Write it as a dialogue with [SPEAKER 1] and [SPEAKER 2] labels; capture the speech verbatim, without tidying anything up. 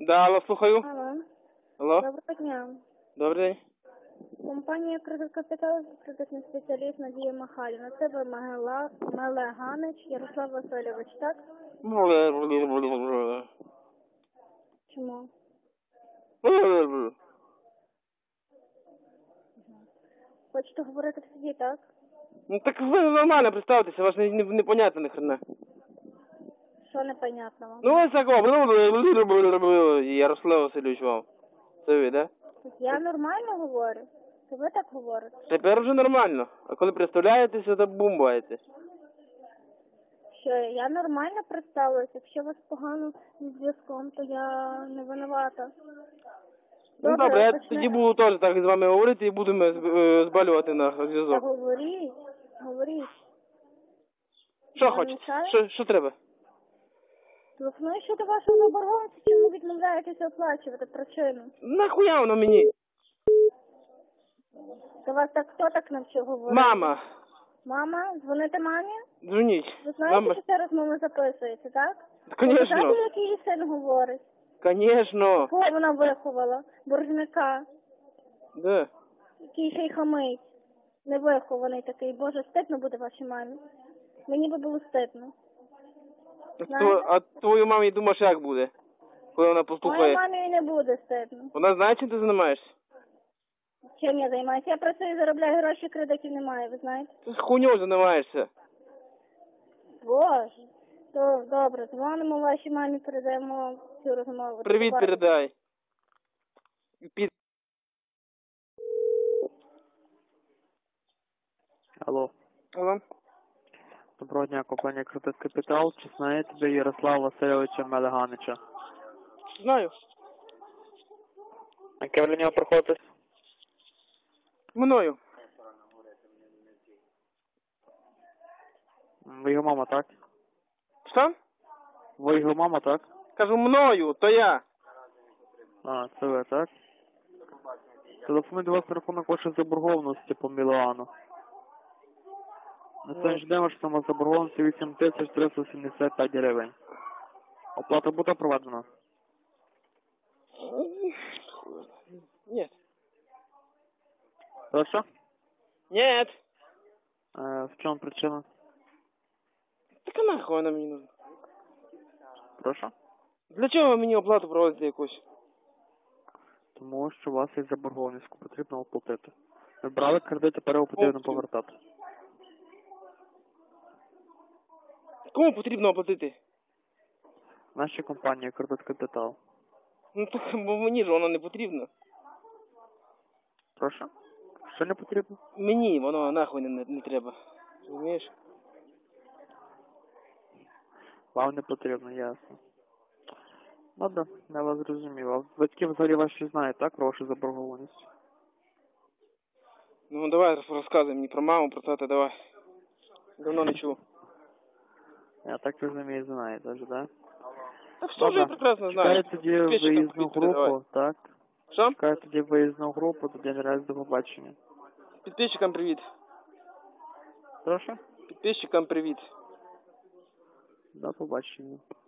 [SPEAKER 1] Да, алло, слухаю.
[SPEAKER 2] Алло.
[SPEAKER 1] Алло.
[SPEAKER 2] Доброго дня.
[SPEAKER 1] Добрий день.
[SPEAKER 2] Компанія «Кредит Капітал», кредитний спеціаліст Надія Махаліна. Це ви Мегела, Мелеганич, Ярослав Васильович, так? Чому? Хочете говорити в суді, так?
[SPEAKER 1] Ну так ви нормально представтеся, вас не, не, не понятно ни хрена.
[SPEAKER 2] Що непонятно вам?
[SPEAKER 1] Ну ось такого. Ярослав Васильович вам. Це ви, да?
[SPEAKER 2] Я нормально говорю. Це ви так говорите?
[SPEAKER 1] Тепер вже нормально. А коли представляєтеся, то бумбаєте.
[SPEAKER 2] Що, я нормально представилась. Якщо у вас погано з зв'язком, то я не винувата.
[SPEAKER 1] Ну добре, я
[SPEAKER 2] почне-
[SPEAKER 1] тоді буду теж так з вами говорити і будемо е, збалювати на
[SPEAKER 2] Та
[SPEAKER 1] зв'язок.
[SPEAKER 2] говоріть, говоріть.
[SPEAKER 1] Що
[SPEAKER 2] Я
[SPEAKER 1] хочете?
[SPEAKER 2] мішаю?
[SPEAKER 1] Що, що треба?
[SPEAKER 2] Телефоную щодо вашого заборгованості, чому відмовляєтеся оплачувати причину?
[SPEAKER 1] Нахуя воно мені?
[SPEAKER 2] До вас так хто так навчив говорити?
[SPEAKER 1] Мама,
[SPEAKER 2] Мама? Дзвоните мамі?
[SPEAKER 1] дзвоніть.
[SPEAKER 2] Ви знаєте,
[SPEAKER 1] Мама,
[SPEAKER 2] що ця розмова записується, так? Ви
[SPEAKER 1] конечно,
[SPEAKER 2] знаєте, як її син говорить?
[SPEAKER 1] конечно.
[SPEAKER 2] Кого вона виховала? Боржника.
[SPEAKER 1] Да.
[SPEAKER 2] Який ще й хамить. Невихований такий. Боже, стидно буде вашій мамі. Мені би було стидно.
[SPEAKER 1] А,
[SPEAKER 2] Знаєте?
[SPEAKER 1] тво- а твою мамі думаєш, як буде? Коли вона
[SPEAKER 2] Моїй
[SPEAKER 1] послухає?
[SPEAKER 2] мамі і не буде стидно.
[SPEAKER 1] Вона знає, чим ти займаєшся?
[SPEAKER 2] Чим я займаюся? Я працюю, заробляю гроші, кредитів немає, ви знаєте?
[SPEAKER 1] Ти хуйньою займаєшся.
[SPEAKER 2] Боже. То добре, дзвонимо вашій мамі, передаємо цю розмову.
[SPEAKER 1] Привіт
[SPEAKER 2] Добре.
[SPEAKER 1] передай. Під...
[SPEAKER 3] Алло.
[SPEAKER 1] Алло.
[SPEAKER 3] Доброго дня, компанія «Кредит Капітал». Чи знаєте ви Ярослава Васильовича Мелеганича?
[SPEAKER 1] Знаю.
[SPEAKER 3] Яке ви до нього приходите?
[SPEAKER 1] Мною.
[SPEAKER 3] Ви його мама, так?
[SPEAKER 1] Що?
[SPEAKER 3] Ви його мама, так?
[SPEAKER 1] Кажу, мною, то я.
[SPEAKER 3] А, це ви, так? Телефоную до вас на рахунок вашої заборгованості по Мілану. На сьогоднішній день ваша сума заборгованості вісім тисяч триста сімдесят п'ять гривень. Оплата буде проведена?
[SPEAKER 1] Нет.
[SPEAKER 3] Прошу?
[SPEAKER 1] Нет.
[SPEAKER 3] Е, в чому причина?
[SPEAKER 1] Так а нахуй вона мені нужна?
[SPEAKER 3] Прошу?
[SPEAKER 1] Для чого ви мені оплату проводите якусь?
[SPEAKER 3] Тому що у вас є заборгованість, яку потрібно оплатити. Ви брали кредит, тепер його потрібно повертати.
[SPEAKER 1] Кому потрібно оплатити?
[SPEAKER 3] Нашій компанії «Кредит Капітал».
[SPEAKER 1] Ну так, бо мені ж воно не потрібно.
[SPEAKER 3] Прошу? Що не потрібно?
[SPEAKER 1] Мені воно нахуй не, не, не треба. Розумієш?
[SPEAKER 3] Вам не потрібно, ясно. Ладно, я вас зрозумів. А батьки взагалі ваші знають, так, про вашу заборгованість?
[SPEAKER 1] Ну давай розказуй мені про маму, про тата, давай. Давно не чув.
[SPEAKER 3] Я так розумію, знаєте, ж, да?
[SPEAKER 1] Та все вже я прекрасно знаю.
[SPEAKER 3] Чекаю тоді
[SPEAKER 1] Підписчикам
[SPEAKER 3] виїзну
[SPEAKER 1] привіт передавай.
[SPEAKER 3] групу, так?
[SPEAKER 1] Що?
[SPEAKER 3] Чекаю тоді виїзну групу, тоді наразі до побачення.
[SPEAKER 1] Підписчикам привіт.
[SPEAKER 3] Прошу?
[SPEAKER 1] Підписчикам привіт.
[SPEAKER 3] До побачення.